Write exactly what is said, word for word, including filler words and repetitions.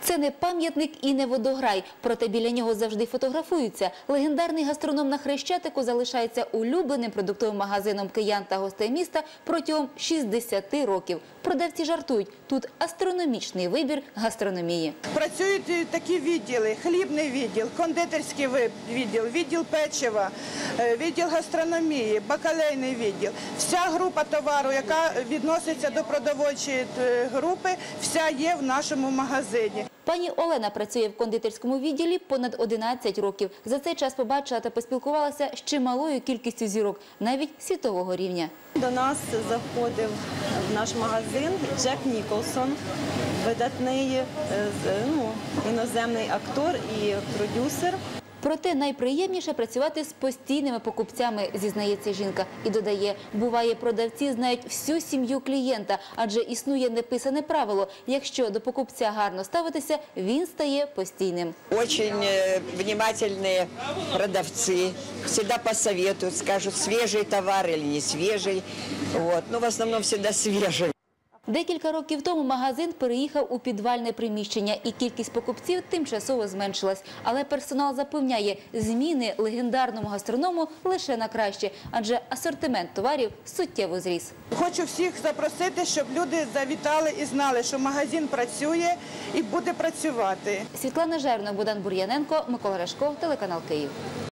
Це не пам'ятник і не водограй, проте біля нього завжди фотографуються. Легендарний гастроном на Хрещатику залишається улюбленим продуктовим магазином киян та гостей міста протягом шістдесяти років. Продавці жартують, тут астрономічний вибір гастрономії. Працюють такі відділи: хлібний відділ, кондитерський відділ, відділ печива, відділ гастрономії, бакалейний відділ. Вся група товару, яка відноситься до продовольчої групи, вся є в нашому магазині. Пані Олена працює в кондитерському відділі понад одинадцять років. За цей час побачила та поспілкувалася з чималою кількістю зірок, навіть світового рівня. До нас заходив в наш магазин Джек Ніколсон, видатний ну, іноземний актор і продюсер. Проте найприємніше працювати з постійними покупцями, зізнається жінка. І додає, буває, продавці знають всю сім'ю клієнта, адже існує неписане правило. Якщо до покупця гарно ставитися, він стає постійним. Дуже внимательні продавці, завжди посоветують, скажуть, свіжий товар або не свіжий. Вот. Ну, в основному завжди свіжий. Декілька років тому магазин переїхав у підвальне приміщення, і кількість покупців тимчасово зменшилась. Але персонал запевняє, зміни легендарному гастроному лише на краще, адже асортимент товарів суттєво зріс. Хочу всіх запросити, щоб люди завітали і знали, що магазин працює і буде працювати. Світлана Жерно, Богдан Бур'яненко, Микола Рашков, телеканал Київ.